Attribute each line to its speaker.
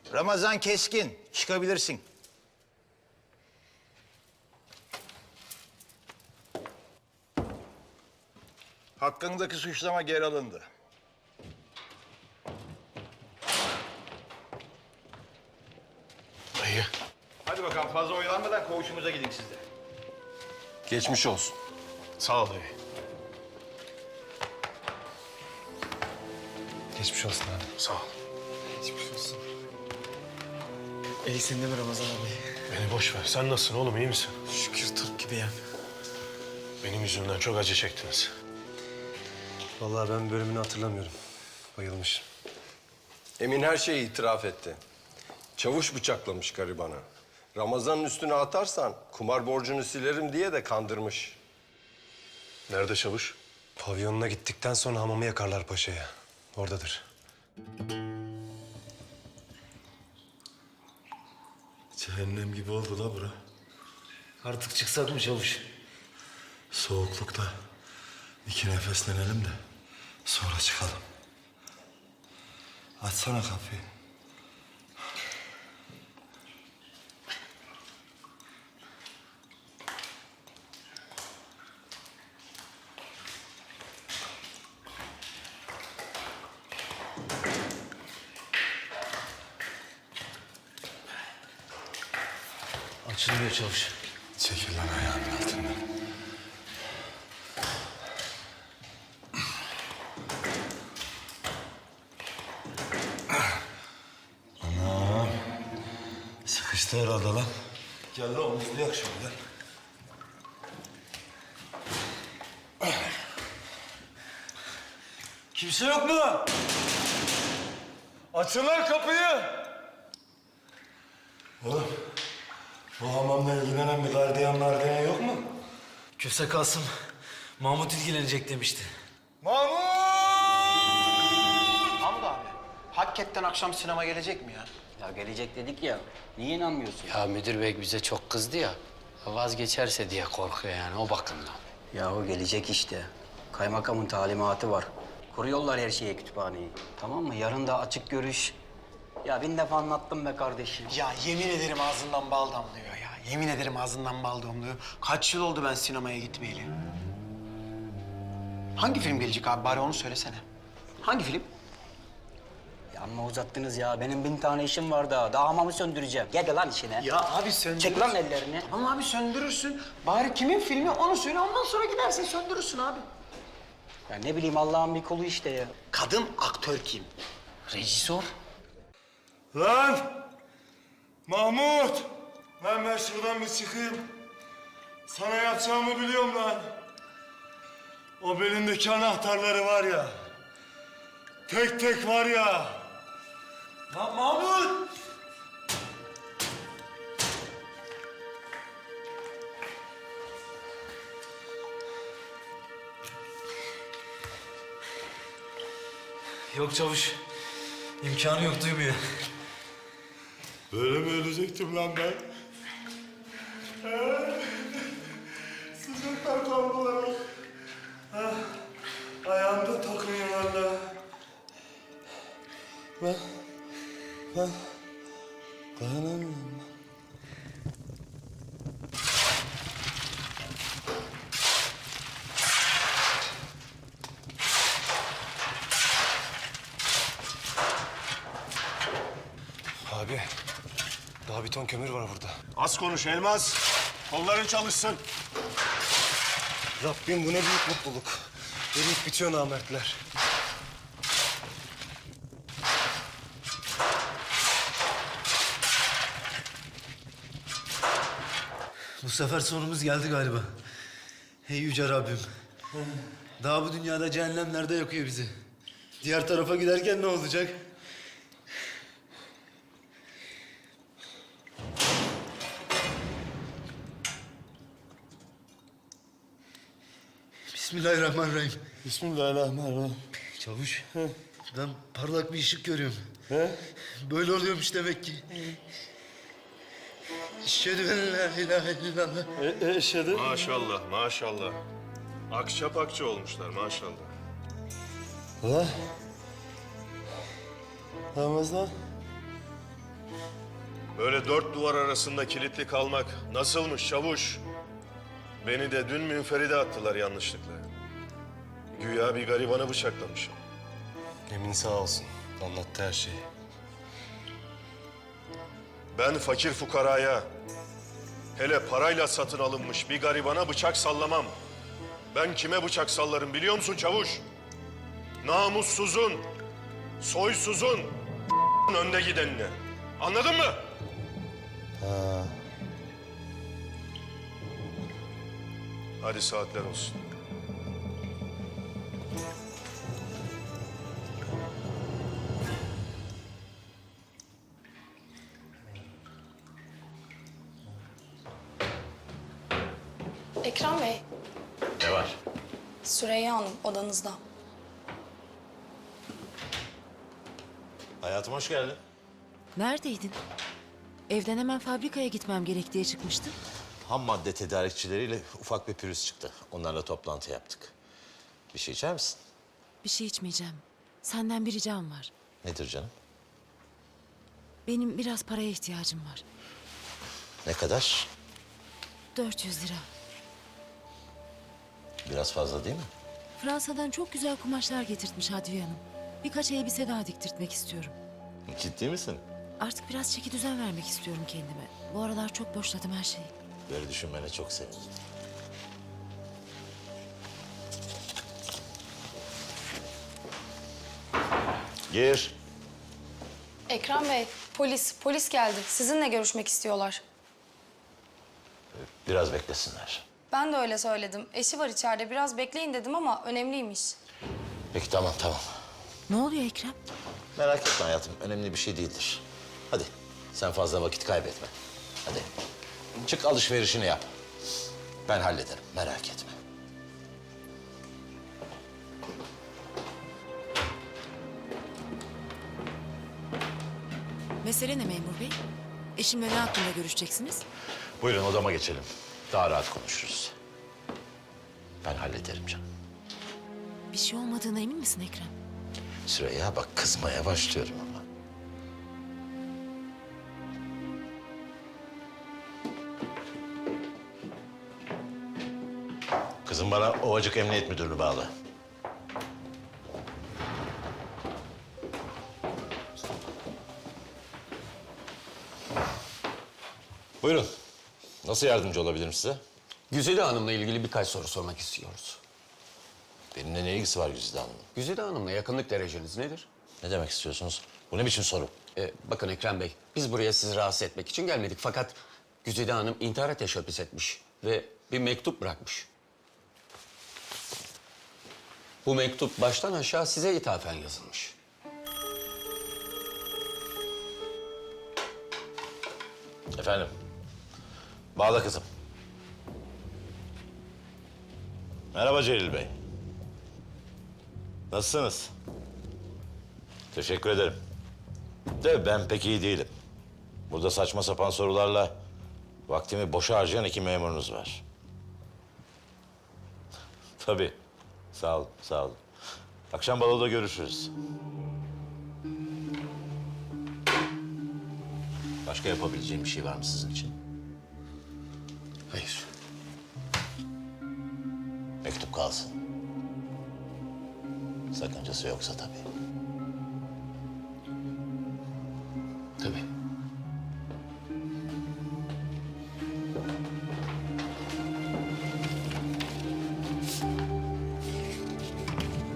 Speaker 1: Ramazan Keskin, çıkabilirsin. Hakkındaki suçlama geri alındı.
Speaker 2: Dayı.
Speaker 1: Hadi bakalım fazla oyalanmadan koğuşumuza gidin siz de.
Speaker 2: Geçmiş olsun. Sağ ol dayı.
Speaker 3: Geçmiş olsun abi.
Speaker 2: Sağ ol.
Speaker 3: Geçmiş olsun. İyisin değil mi Ramazan abi?
Speaker 2: Beni boş ver. Sen nasılsın oğlum, iyi misin?
Speaker 3: Şükür Türk gibiyim.
Speaker 2: Benim yüzümden çok acı çektiniz.
Speaker 3: Vallahi ben bölümünü hatırlamıyorum. Bayılmış.
Speaker 4: Emin her şeyi itiraf etti. Çavuş bıçaklamış garibanı. Ramazan'ın üstüne atarsan kumar borcunu silerim diye de kandırmış.
Speaker 2: Nerede çavuş?
Speaker 3: Pavyonuna gittikten sonra hamamı yakarlar paşaya. Oradadır.
Speaker 5: Cehennem gibi oldu la bura.
Speaker 6: Artık çıksak mı çavuş?
Speaker 5: Soğuklukta iki nefeslenelim de sonra çıkalım. Açsana kapıyı.
Speaker 6: Açılmıyor çavuş.
Speaker 5: Çekil lan ayağımın altından. Anam. Sıkıştı herhalde lan. Gel lan omuzlayak şöyle. Kimse yok mu? Açın lan kapıyı. Oğlum, bu hamamla ilgilenen bir gardiyan yok mu?
Speaker 6: Köse Kasım, Mahmut ilgilenecek demişti.
Speaker 5: Mahmut!
Speaker 7: Hamdi abi, hakikaten akşam sinema gelecek mi ya?
Speaker 8: Ya gelecek dedik ya, niye inanmıyorsun?
Speaker 9: Ya müdür bey bize çok kızdı ya. Vazgeçerse diye korkuyor yani o bakımdan.
Speaker 8: Ya o gelecek işte. Kaymakamın talimatı var. Kuruyorlar her şeye kütüphaneyi. Tamam mı? Yarın da açık görüş. Ya bin defa anlattım be kardeşim.
Speaker 7: Ya yemin ederim ağzından bal damlıyor ya. Yemin ederim ağzından bal damlıyor. Kaç yıl oldu ben sinemaya gitmeyeli. Hangi film gelecek abi? Bari onu söylesene. Hangi film?
Speaker 8: Ya amma uzattınız ya. Benim 1000 tane işim var daha. Daha hamamı söndüreceğim. Gel lan işine.
Speaker 7: Ya abi söndür.
Speaker 8: Çek lan ellerini.
Speaker 7: Tamam abi söndürürsün. Bari kimin filmi onu söyle. Ondan sonra gidersin söndürürsün abi.
Speaker 8: Ya ne bileyim Allah'ın bir kulu işte ya.
Speaker 7: Kadın aktör kim?
Speaker 9: Rejisör?
Speaker 5: Lan! Mahmut! Lan ben şuradan bir çıkayım. Sana yapacağımı biliyorum lan. O belindeki anahtarları var ya. Tek tek var ya. Lan Mahmut!
Speaker 6: Yok çavuş, imkanı yok duymuyor.
Speaker 5: Böyle mi ölecektim lan ben? Sıcaktan kaldılar. Ayağımda takmayın valla. Ben dayanamıyorum.
Speaker 3: Abi, daha bir ton kömür var burada.
Speaker 2: Az konuş Elmas. Kolların çalışsın.
Speaker 3: Rabbim bu ne büyük mutluluk. Eriyip bitiyor namertler.
Speaker 6: Bu sefer sonumuz geldi galiba. Hey yüce Rabbim. Daha bu dünyada cehennemlerde yakıyor bizi. Diğer tarafa giderken ne olacak? Bismillahirrahmanirrahim.
Speaker 5: Bismillahirrahmanirrahim.
Speaker 6: Çavuş, ben parlak bir ışık görüyorum.
Speaker 5: He?
Speaker 6: Böyle oluyormuş demek ki. Eşhedü en la ilahe illallah.
Speaker 5: Eşhedü.
Speaker 2: Maşallah, maşallah. Akça pakça olmuşlar maşallah.
Speaker 5: Ulan. Ramazan.
Speaker 2: Böyle dört duvar arasında kilitli kalmak nasılmış çavuş? Beni de dün münferide attılar yanlışlıkla. Güya bir garibanı bıçaklamışım.
Speaker 3: Emin sağ olsun. Anlattı her şeyi.
Speaker 2: Ben fakir fukaraya, hele parayla satın alınmış bir garibana bıçak sallamam. Ben kime bıçak sallarım biliyor musun çavuş? Namussuzun, soysuzun, önde gidenine. Anladın mı? Hadi saatler olsun.
Speaker 10: Ekrem Bey,
Speaker 1: Ne var?
Speaker 10: Süreyya Hanım odanızda.
Speaker 1: Hayatım hoş geldin.
Speaker 11: Neredeydin? Evden hemen fabrikaya gitmem gerek diye çıkmıştım.
Speaker 12: Ham madde tedarikçileriyle ufak bir pürüz çıktı. Onlarla toplantı yaptık. Bir şey içer misin?
Speaker 11: Bir şey içmeyeceğim. Senden bir ricam var.
Speaker 12: Nedir canım?
Speaker 11: Benim biraz paraya ihtiyacım var.
Speaker 12: Ne kadar?
Speaker 11: 400 lira.
Speaker 12: Biraz fazla değil mi?
Speaker 11: Fransa'dan çok güzel kumaşlar getirtmiş Hadviye Hanım. Birkaç elbise daha diktirtmek istiyorum.
Speaker 12: Ciddi misin?
Speaker 11: Artık biraz çeki düzen vermek istiyorum kendime. Bu aralar çok boşladım her şeyi.
Speaker 12: Böyle düşünmene çok sevindim. Gir.
Speaker 10: Ekrem Bey, polis geldi. Sizinle görüşmek istiyorlar.
Speaker 12: Biraz beklesinler.
Speaker 10: Ben de öyle söyledim. Eşi var içeride, biraz bekleyin dedim ama önemliymiş.
Speaker 12: Peki tamam.
Speaker 11: Ne oluyor Ekrem?
Speaker 12: Merak etme hayatım. Önemli bir şey değildir. Hadi sen fazla vakit kaybetme. Hadi. Çık alışverişini yap. Ben hallederim. Merak etme.
Speaker 11: Mesele ne memur bey? Eşimle ne hakkında görüşeceksiniz?
Speaker 12: Buyurun odama geçelim. Daha rahat konuşuruz. Ben hallederim canım.
Speaker 11: Bir şey olmadığına emin misin Ekrem?
Speaker 12: Süreyya bak kızmaya başlıyorum ama. Kızım bana Ovacık Emniyet Müdürlüğü bağlı. Buyurun. Nasıl yardımcı olabilirim size?
Speaker 8: Güzide Hanım'la ilgili birkaç soru sormak istiyoruz.
Speaker 12: Benimle ne ilgisi var Güzide Hanım'ın?
Speaker 8: Güzide Hanım'la yakınlık dereceniz nedir?
Speaker 12: Ne demek istiyorsunuz? Bu ne biçim soru?
Speaker 8: Bakın Ekrem Bey, biz buraya sizi rahatsız etmek için gelmedik. Fakat Güzide Hanım intihara teşebbüs etmiş ve bir mektup bırakmış. Bu mektup baştan aşağı size ithafen yazılmış.
Speaker 12: Efendim? Bağla kızım. Merhaba Celil Bey. Nasılsınız? Teşekkür ederim. De ben pek iyi değilim. Burada saçma sapan sorularla vaktimi boşa harcayan iki memurunuz var. Tabii. Sağ olun, sağ olun. Akşam baloda görüşürüz. Başka yapabileceğim bir şey var mı sizin için?
Speaker 8: Hayır.
Speaker 12: Mektup kalsın. Sakıncası yoksa tabii.